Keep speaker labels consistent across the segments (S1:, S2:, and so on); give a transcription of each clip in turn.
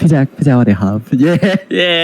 S1: พี่แจ็คสวัสดีครับเย้
S2: เย้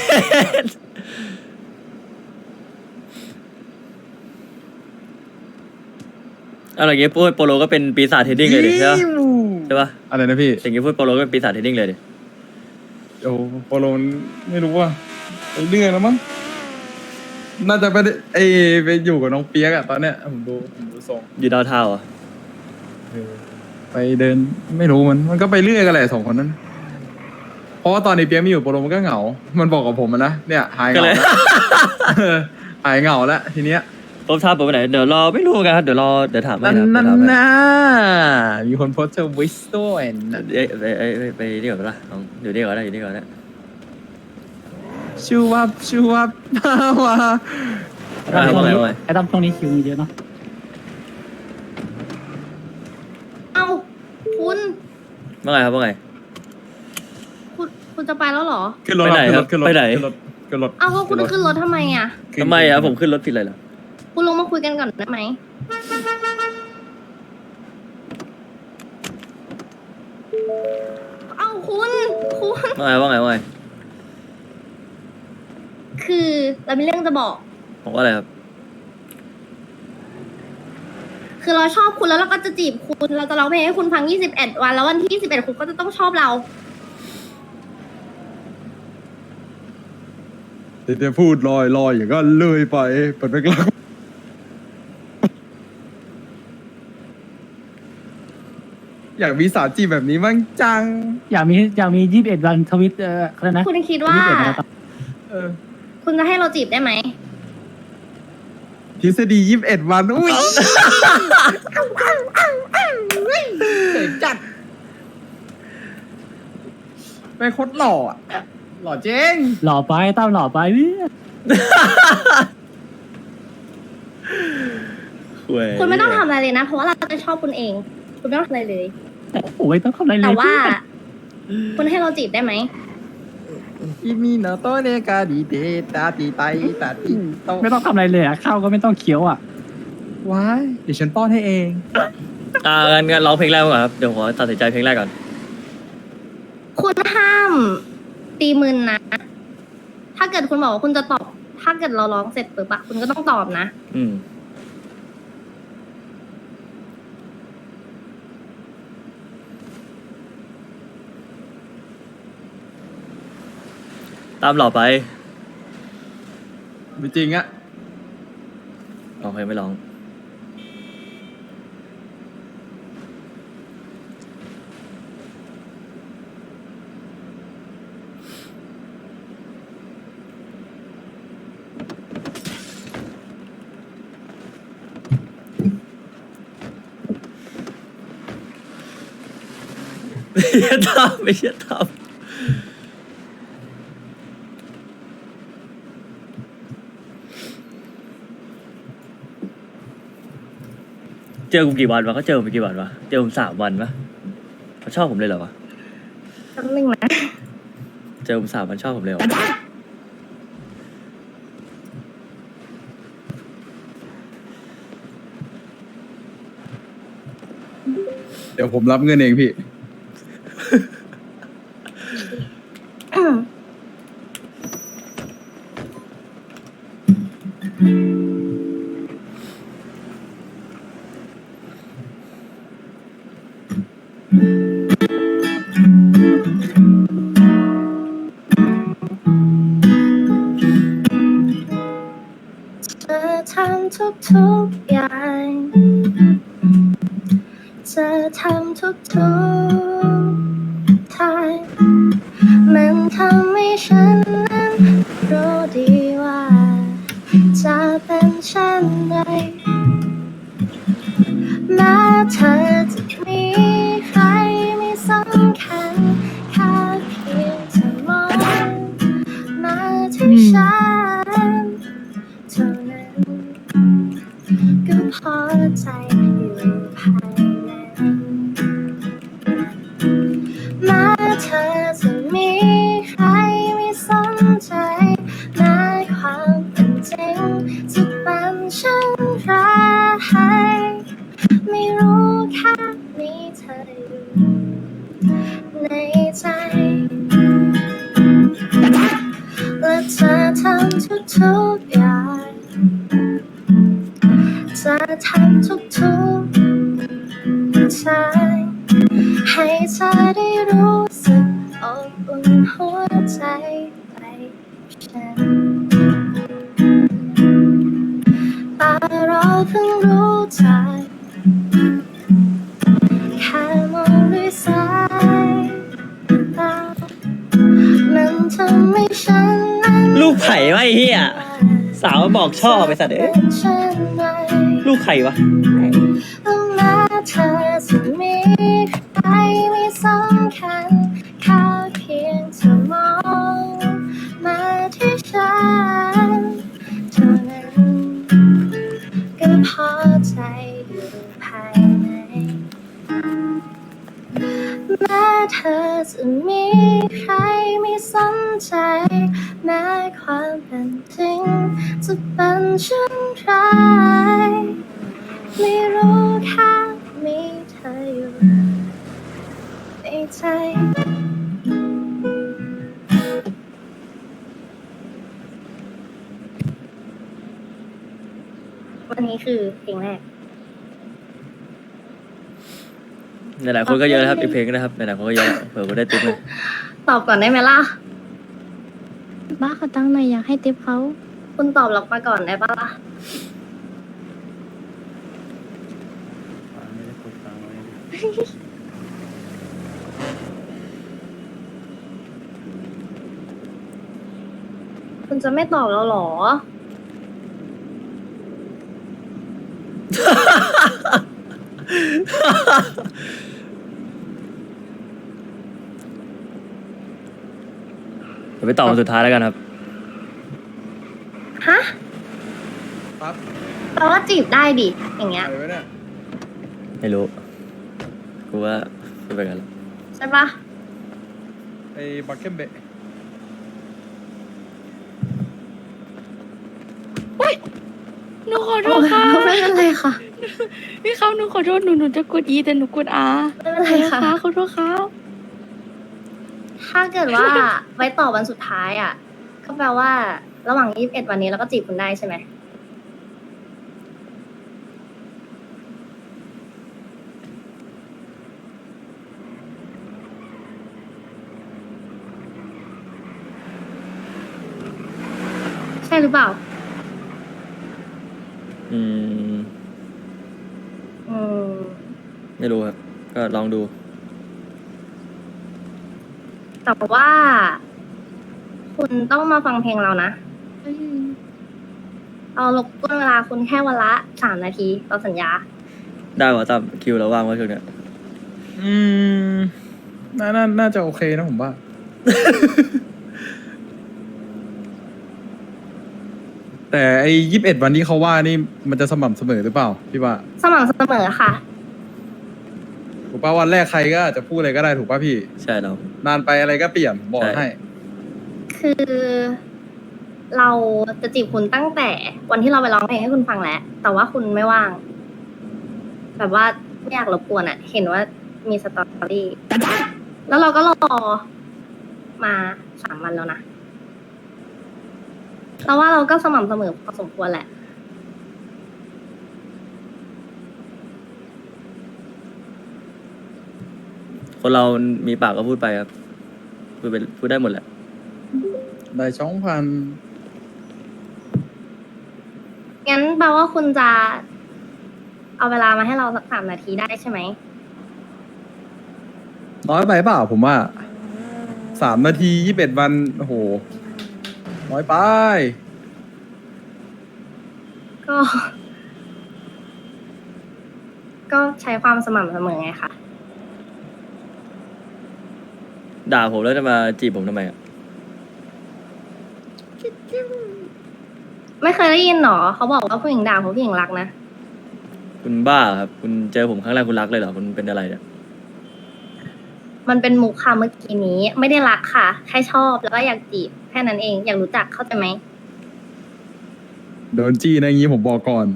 S2: อะไรอย่างเงี้ยพูดโปโลก็เป็นปีศาจเทรดดิ้งเลยดิใช่ปะใช่ปะ
S1: อะไรนะพี่
S2: อย่างเงี้ยพูดโปโลก็เป็นปีศาจเทรดดิ้งเลยดิ
S1: โอ้โปโลมันไม่รู้ว่าไปเรื่อยแล้วมั้งน่าจะไปได้ไปอยู่กับน้องเปียกอะตอนเนี้ยผมดูทรง
S2: อยู่ดาวเทาอ่ะ
S1: เออไปเดินไม่รู้มันก็ไปเรื่อยกันแหละสองคนนั้นเพราะว่าตอนนี้เปียกไม่อยู่โปโลมันก็เหงา มันบอกกับผมอะนะเนี่ยหายเห
S2: ก็
S1: งา
S2: เลย
S1: แล้วเออหายเหงาแล้วทีเนี้ย
S2: ผมทราบไปไหนเดี๋ยวรอไม่รู้กันครับเดี๋ยวถามให้
S1: นั่น
S2: ครับ
S1: นั่น
S2: เดี๋ยวถามให้
S1: นะมีคนโพสต์ทวิสต์ด้วยนะ
S2: ไปนี่ก่อนปะล่ะน้องอยู่นี่ก่อนได้อยู่นี่ก่อนได้
S1: ชูวับมา
S2: ว่าไง
S3: ไอ้ตั้มช่วงนี้คิวมีเยอะเนาะ
S4: เอาคุณ
S2: ว่าไงครับว่าไง
S4: คุณจะไปแล้วเหรอ
S1: ขึ้นรถ
S2: ไปไหนครับ
S1: ขึ้นรถ
S2: ไปไหน
S1: ขึ้นรถ
S4: เอาแล้วคุณขึ้นรถทำไมอ่ะ
S2: ทำไมครับผมขึ้นรถผิดเลยเหรอ
S4: คุณลงมาคุยกันก่อนได้ไหมเอาคุณ
S2: ว่าไง
S4: คือเรามีเรื่องจะบอก
S2: ผมว่าอะไรครับ
S4: คือเราชอบคุณแล้วเราก็จะจีบคุณ เราจะร้องเพลงให้คุณฟัง 21 วัน แล้ววันที่ 21 คุณก็จะต้องชอบเรา
S1: เดี๋ยวพูดลอยอย่างก็เลยไปเปิดไปกลางอยากมีสาวจีบแบบนี้มั่งจัง
S3: อยากมี21 วันทวิตอะไรนะ
S4: คุณคิดว่า
S3: 21วัน
S1: เออ
S4: คุณจะให้เราจีบได้ไหม
S1: ทฤษฎี21 วันอุ้ยเจ๋งจัดเป็นโคตรหล่ออะหล่อเจ๊ง
S3: หล่อไปตั้มหล่อไปเนี่ย
S4: คุณไม่ต้องทำอะไรเลยนะ เพราะว่าเราจะชอบคุณเอง คุณไม่ต้องทำอะไรเลย
S3: โอ้ยต้องทำอะไรเลย
S4: แต่ว่า คุณให้เราจีบได้ไหม
S1: อีมีโนโตเนกาดีเดตาตีไตตาตีโต
S3: ไม่ต้องทำอะไรเลยอ่ะข้าวก็ไม่ต้องเคี้ยวอ่ะ
S1: ว้ายเดี๋ยวฉันป้อนให้เอง
S2: งั้นร้องเพลงแรกก่อนครับเดี๋ยวผมตัดสินใจเพลงแรกก่อน
S4: คุณห้ามตีมืนนะ ถ้าเกิดคุณบอกว่าคุณจะตอบ ถ้าเกิดเราร้องเสร็จปุ๊บอะคุณก็ต้องตอบนะ
S2: อืมตามหล่อไป
S1: ไม่จริงอะ
S2: โอเคไม่ร้อง ไม่ใช่ทำเจอกูกี่วันวะเขาเจอผมกี่วันวะเจอผม3 วันวะเขาชอบผมเลยเหรอวะ
S4: แป๊บนึงนะ
S2: เจอผม3 วันชอบผมเลยเหรอ
S1: เดี๋ยวผมรับเงินเองพี่
S4: เธอทำทุกอย่างเธอทำทุกทางมันทำให้ฉันนั้นรู้ดีว่าจะเป็นเช่นไรแม้เธอจะมีใครไม่สำคัญแค่เพียงเธอมองมาที่ฉันเท่านั้นก็พอใจอยู่ภายในแม้เธอจะมีใครไม่สนใจแม้ความเป็นจริงจะเป็นเช่นไรไม่รู้แค่มีเธออยู่ในใจทุกๆอย่างจะทำทุกทางให้เธอได้รู้สึกอบอุ่นหัวใจไปกับฉันแต่เราเพิ่งรู้จักแค่มองด้วยสายตามันทำให้ฉันนั้น
S2: ลูกไผ่วะไอ้เหี้ยสาวบอกชอบไปสัตว์เอ้ยลูกไข่วะ
S4: แล้วแม้เธอจะมีใครไม่สำคัญแค่เพียงเธอมองมาที่ฉันเท่านั้นก็พอใจอยู่ภายในแม้เธอจะมีใครไม่สนใจแม้ความเป็นจริงจะเป็นเช่นไรไม่รู้แค่มีเธออยู่ในใจวันนี้คือเพลงแรก
S2: หลายๆคนก็เยอะนะครับอีกเพลงนะครับหลายๆคนก็เยอะเผื่อว่าได้ติ๊กเลย
S4: ตอบก่อนได้ไหมล่ะ
S5: บ้าเขาตั้งหน่อยอยากให้ติปเขา
S4: คุณตอบล็อกมาก่อนได้ปะล่ะ คุณจะไม่ตอบเราเหรอ
S2: เดี๋ยวไปต่อคนสุดท้ายแล้วกันครับ
S4: ฮะ
S1: ครับ
S4: แปลว่าจีบได้ดิ อย่างเงี้ย
S1: อะไรวะเนี่ย
S2: ไม่รู้กูว่าพูดไปกันแล้ว
S4: ใช่ปะ
S1: ไอ้บักเก็ตเบะ
S5: หนูขอโทษค่ะ
S4: ไม่เป็นไรค่ะ
S5: พี่เขาหนูขอโทษหนูจะกด E แต่หนูกด R
S4: ไม่เป็นไรค่ะ
S5: ขอโทษครับ
S4: ถ้าเกิดว่า ไว้ต่อวันสุดท้ายอ่ะ ก็แปลว่า ระหว่าง21วันนี้เราก็จีบคุณได้ใช่ไหม ใช่หรือเปล่า
S2: อืม
S4: อืม
S2: ไม่รู้ครับก็ลองดู
S4: แต่ว่า คุณต้องมาฟังเพลงเรานะ เรารบกวนเวลาคุณแค่วันละ3 นาทีเราสัญญา
S2: ได้วะตามคิวเราว่างว่าช่วงเนี้ย
S1: อืมน่าจะโอเคนะผมว่า แต่ไอ้21 วันที่เขาว่านี่มันจะสม่ำเสมอหรือเปล่าพี่ว่า
S4: สม่ำเสมอค่ะ
S1: ถูกป่ะวันแรกใครก็อาจจะพูดอะไรก็ได้ถูกป่ะพี่
S2: ใช่เรา
S1: นานไปอะไรก็เปลี่ยนบอก
S2: ใช่
S1: ให้
S4: คือเราจะจีบคุณตั้งแต่วันที่เราไปร้องเพลงให้คุณฟังแล้ว แต่ว่าคุณไม่ว่าง แบบว่าไม่อยากรบกวนอะเห็นว่ามีสตอรี่แล้วเราก็รอมา3 วันแล้วนะเราว่าเราก็สม่ำเสมอพอสมควรแหละ
S2: คนเรามีปากก็พูดไปครับพูดได้หมดแหละ
S1: ได้2,000
S4: งั้นแปลว่าคุณจะเอาเวลามาให้เราสัก3 นาทีได้ใช่ไหม
S1: น้อยไปเปล่าผมว่า3 นาที21 วันโอ้โหน้อยไป
S4: ก็ ก็ใช้ความสม่ำเสมอไงคะ
S2: ด่าผมแล้วจะมาจีบผมทำไมอ่ะ
S4: ไม่เคยได้ยินหรอเขาบอกว่าผู้หญิงด่าเพราะผู้หญิงรักนะ
S2: คุณบ้าครับ คุณเจอผมครั้งแรกคุณรักเลยเหรอคุณเป็นอะไรเนี่ย
S4: มันเป็นมุกค่ะเมื่อกี้นี้ ไม่ได้รักค่ะ แค่ชอบแล้วก็อยากจีบแค่นั้นเอง อยากรู้จักเข้าใจไหม
S1: โดนจี้นะอย่างงี้ผมบอกก่อน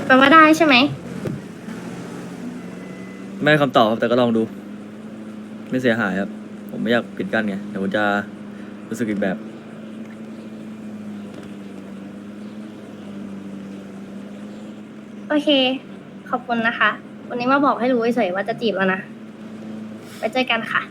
S4: แปลว่าได้ใช่ไหม
S2: ไม่ได้คำตอบครับแต่ก็ลองดู ไม่เสียหายครับ ผมไม่อยากปิดกั้นไงเดี๋ยวผมจะรู้สึกอีกแบบ
S4: โอเค ขอบคุณนะคะ วันนี้มาบอกให้รู้เฉยๆว่าจะจีบแล้วนะ ไปเจอกันค่ะ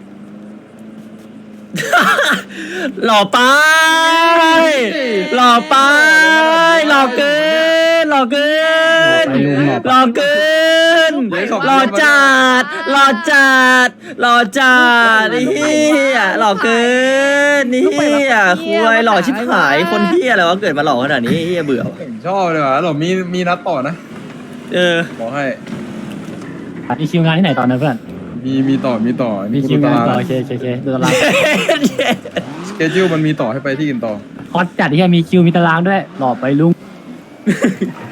S2: หล่อไปหล่อไปหล่อเกินหล่อเกิน
S3: ไปลุงหล่อ
S2: หล่อเกินหล่อจัดหล่อจัดหล่อจัดนี่เฮียหล่อเกินนี่เฮียคุยหล่อชิบหายคนเฮียอะไรวะเกิดมาหล่อขนาดนี้เฮียเบื่อว่ะ
S1: ผมชอบเลยว่ะหรอมีนัดต่อนะ
S2: เออ
S1: บอกให้
S3: มีคิวงานที่ไหนตอนนั้นเพื่อน
S1: มีต่อ
S3: มีคิว
S1: ตาง
S3: าน
S1: ราง
S3: ต่อโอเคดูตาราง
S1: สเกจิวมันมีต่อให้ไปที่อื่นต่อ
S3: ฮอตจัดที่มีคิวมีตารางด้วยหล่อไปลุง